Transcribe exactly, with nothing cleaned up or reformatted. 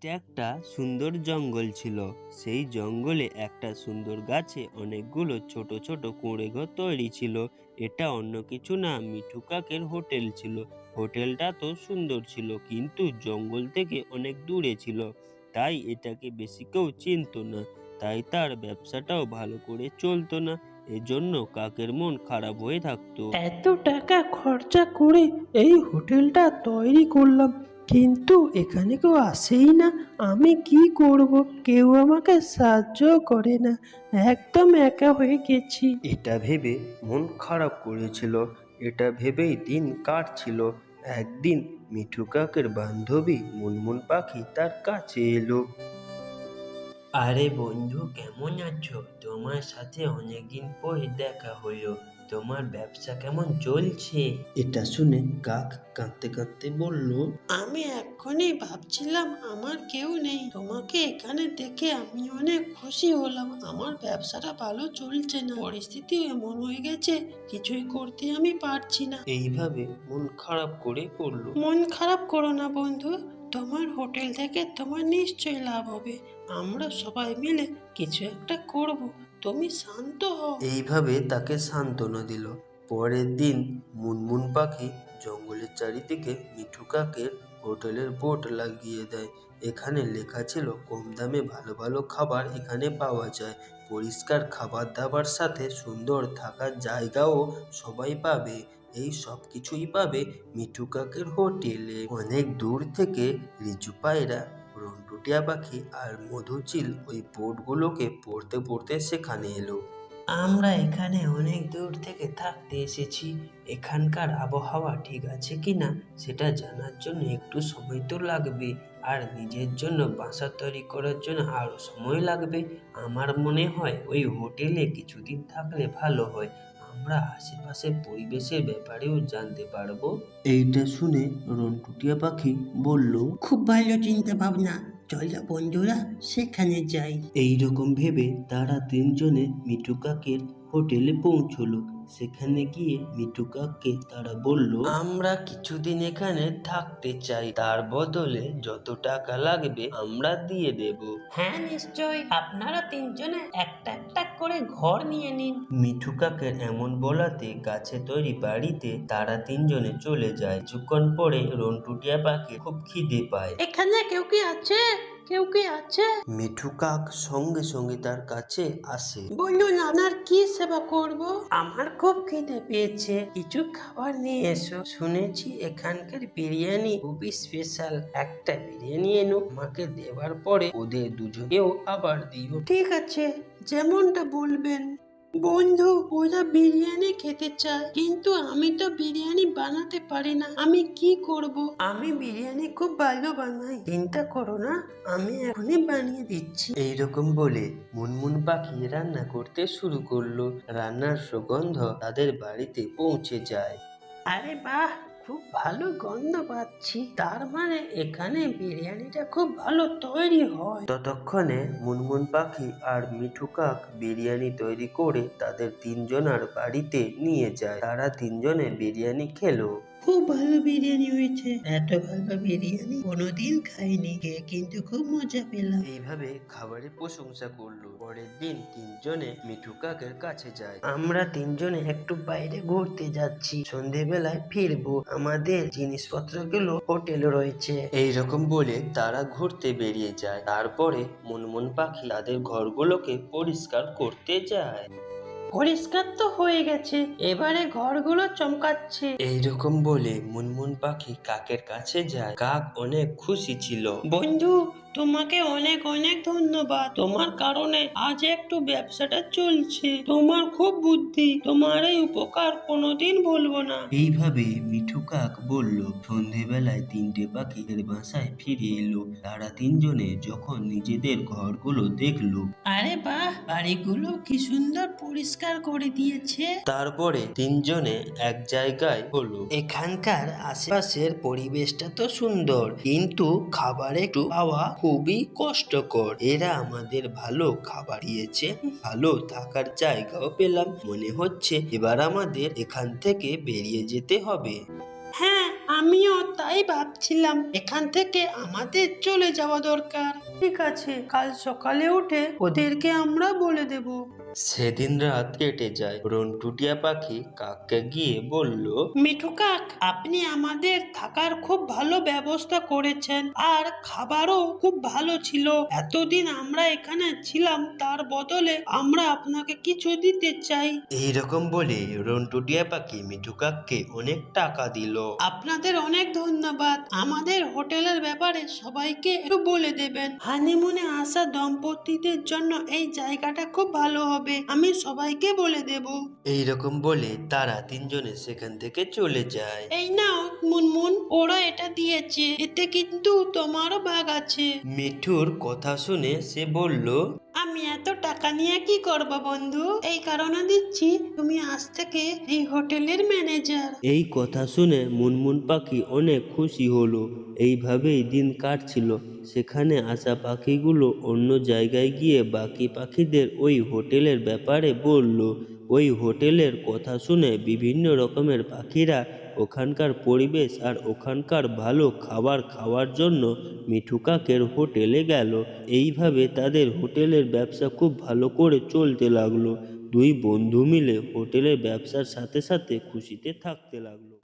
এটা একটা সুন্দর জঙ্গল ছিল। সেই জঙ্গলে একটা সুন্দর গাছে অনেকগুলো ছোট ছোট কুঁড়ে ঘর তৈরি ছিল। এটা অন্য কিছু না, মিঠু কাকের হোটেল ছিল। হোটেলটা তো সুন্দর ছিল, কিন্তু জঙ্গল থেকে অনেক দূরে ছিল, তাই এটাকে বেশি কেউ চিনতো না। তাই তার ব্যবসাটাও ভালো করে চলতো না। এজন্য কাকের মন খারাপ হয়ে থাকতো। এত টাকা খরচা করে এই হোটেলটা তৈরি করলাম, কিন্তু এখানে কেউ আসেই না। আমি কি করব? কেউ আমাকে সাহায্য করে না, একদম একা হয়ে গেছি। এটা ভেবে মন খারাপ করেছিল। এটা ভেবেই দিন কাটছিল। একদিন মিঠু কাকের বান্ধবী মুনমুন পাখি তার কাছে এলো। আরে বন্ধু, কেমন আছো? তোমার সাথে অনেকদিন পরে দেখা হলো। তোমার ব্যবসা কেমন চলছে? এটা শুনে কাক কাঁদতে কাঁদতে বলল, আমি এক্ষুনি ভাবছিলাম আমার কেউ নেই, তোমাকে এখানে দেখে আমি অনেক খুশি হলাম। আমার ব্যবসাটা ভালো চলছে না, পরিস্থিতি এমন হয়ে গেছে কিছুই করতে আমি পারছি না। এইভাবে মন খারাপ করে পড়ল। মন খারাপ করো না বন্ধু, তোমার হোটেল থেকে তোমার নিশ্চয়ই লাভ হবে। আমরা সবাই মিলে কিছু একটা করব, তুমি শান্ত হও। এইভাবে তাকে সান্ত্বনা দিল। পরের দিন মুনমুন পাখি জঙ্গলের চারিদিকে মিঠু কাকের হোটেলের বোর্ড লাগিয়ে দেয়। এখানে লেখা ছিল, কম দামে ভালো ভালো খাবার এখানে পাওয়া যায়। পরিষ্কার খাবার দাবার সাথে সুন্দর থাকার জায়গাও সবাই পাবে। এই সব কিছুই পাবে মিঠু কাকের হোটেলে। অনেক দূর থেকে রিজু পায়রা, রন্টুটিয়া পাখি আর মধুচিল ওই বোর্ডগুলোকে পড়তে পড়তে সেখানে এলো। আমরা এখানে অনেক দূর থেকে থাকতে এসেছি, এখানকার আবহাওয়া ঠিক আছে কিনা সেটা জানার জন্য একটু সময় তো লাগবে, আর নিজের জন্য বাসা তৈরি করার জন্য আরো সময় লাগবে। আমার মনে হয় ওই হোটেলে কিছুদিন থাকলে ভালো হয়, আমরা আশেপাশের পরিবেশের ব্যাপারেও জানতে পারবো। এইটা শুনে রন্টুটিয়া পাখি বলল, খুব ভালো চিন্তা ভাবনা, চলো বন্ধুরা সেখানে যাই। এইরকম ভেবে তারা তিনজনে মিঠু কাকের হোটেলে পৌঁছলো। সেখানে গিয়ে মিঠু কাককে তারা বলল, আমরা কিছুদিন এখানে থাকতে চাই, তার বদলে যত টাকা লাগবে আমরা দিয়ে দেব। হ্যাঁ নিশ্চয়ই, আপনারা তিনজনে একটা একটা করে ঘর নিয়ে নিন। মিঠু কাকের এমন বলাতে গাছে তৈরি বাড়িতে তারা তিনজনে চলে যায়। কিছুক্ষণ পরে রন্টুটিয়া পাখি খুব খিদে পায়। এখানে কেউ কি আছে? কেউ কি আছে? মিঠু কাক সঙ্গে সঙ্গে তার কাছে আসে। বলুন আপনার কি সেবা করব? আমার খুব খিদে পেয়েছে, কিছু খাবার নিয়ে এসো। শুনেছি এখানকার বিরিয়ানি খুবই স্পেশাল, একটা বিরিয়ানি এনো, আমাকে দেওয়ার পরে ওদের দুজনেও আবার দিও। ঠিক আছে, যেমনটা বলবেন। বন্ধু, ওরা বিরিয়ানি খেতে চায়, কিন্তু আমি তো বিরিয়ানি বানাতে পারি না, আমি কি করব? আমি বিরিয়ানি খুব ভালো বানাই, চিন্তা করো না, আমি এখনই বানিয়ে দিচ্ছি। এইরকম বলে মুনমুন পাখি রান্না করতে শুরু করলো। রান্নার সুগন্ধ তাদের বাড়িতে পৌঁছে যায়। আরে বাহ, খুব ভালো গন্ধ পাচ্ছি, তার মানে এখানে বিরিয়ানিটা খুব ভালো তৈরি হয়। ততক্ষণে মুনমুন পাখি আর মিঠু কাক বিরিয়ানি তৈরি করে তাদের তিনজনার বাড়িতে নিয়ে যায়। তারা তিনজনে বিরিয়ানি খেলো। খুব ভালো বিরিয়ানি হয়েছে, এত ভালো বিরিয়ানি কোনোদিন খাইনি, খেয়ে কিন্তু খুব মজা পেলাম। এইভাবে খাবারের প্রশংসা করলো। পরের দিন তিনজনে মিঠু কাকের কাছে যায়। আমরা তিনজনে একটু বাইরে ঘুরতে যাচ্ছি, সন্ধেবেলায় ফিরবো, আমাদের জিনিসপত্রগুলো হোটেলে রয়েছে। এইরকম বলে তারা ঘুরতে বেরিয়ে যায়। তারপরে মুনমুন পাখি তাদের ঘরগুলোকে পরিষ্কার করতে যায়। পরিষ্কার তো হয়ে গেছে, এবারে ঘরগুলো চমকাচ্ছে। এইরকম বলে মুনমুন পাখি কাকের কাছে যায়। কাক অনেক খুশি ছিল। বন্ধু, তোমাকে অনেক অনেক ধন্যবাদ, তোমার কারণে আজ একটু ব্যবসাটা চলছে। তোমার খুব বুদ্ধি, তোমার এই উপকার কোনোদিন ভুলবো না। এইভাবে মিঠু কাক বলল। সন্ধেবেলায় তিনটে পাখি এর বাসায় ফিরে এলো। তারা তিনজনে যখন নিজেদের ঘরগুলো দেখলো, আরে বাহ, বাড়িগুলো কি সুন্দর পরিষ্কার করে দিয়েছে। তারপরে তিনজনে এক জায়গায় হলো। এখানকার আশেপাশের পরিবেশটা তো সুন্দর, কিন্তু খাবার একটু পাওয়া খুবই কষ্টকর। এরা আমাদের ভালো খাবার দিয়েছে, ভালো থাকার জায়গাও পেলাম, মনে হচ্ছে এবার আমাদের এখান থেকে বেরিয়ে যেতে হবে। হ্যাঁ, আমিও তাই ভাবছিলাম, এখান থেকে আমাদের চলে যাওয়া দরকার। ঠিক আছে, কাল সকালে উঠে ওদেরকে আমরা বলে দেব। সেদিন রাত কেটে যায়। রন্টু টিয়া পাখি কাককে গিয়ে বলল, মিঠু কাক, আপনি আমাদের থাকার খুব ভালো ব্যবস্থা করেছেন, আর খাবারও খুব ভালো ছিল। এতদিন আমরা এখানে ছিলাম, তার বদলে আমরা আপনাকে কিছু দিতে চাই। এইরকম বলে রন্টু টিয়া পাখি মিঠু কাককে অনেক টাকা দিল। আপনাদের অনেক ধন্যবাদ। আমাদের হোটেলের ব্যাপারে সবাইকে একটু বলে দেবেন। হানিমুনে আসা দম্পতিদের জন্য এই জায়গাটা খুব ভালো হবে, আমি সবাইকে বলে দেব। এইরকম বলে তারা তিনজনে সেখান থেকে চলে যায়। এই নাও মুনমুন, ওরা এটা দিয়েছে, এতে কিন্তু তোমারও ভাগ আছে। মিঠুর কথা শুনে সে বলল, আমি এত টাকা নিয়ে কি করব বন্ধু? এই কারণে দিচ্ছি, তুমি আজ থেকে এই হোটেলের ম্যানেজার। এই কথা শুনে মুনমুন পাখি অনেক খুশি হলো। এইভাবেই দিন কাটছিল। সেখানে আসা পাখিগুলো অন্য জায়গায় গিয়ে বাকি পাখিদের ওই হোটেলের ব্যাপারে বলল। ওই হোটেলের কথা শুনে বিভিন্ন রকমের পাখিরা ওখানকার পরিবেশ আর ওখানকার ভালো খাবার খাওয়ার জন্য মিঠু কাকের হোটেলে গেল। এইভাবে তাদের হোটেলের ব্যবসা খুব ভালো করে চলতে লাগলো। দুই বন্ধু মিলে হোটেলের ব্যবসার সাথে সাথে খুশিতে থাকতে লাগলো।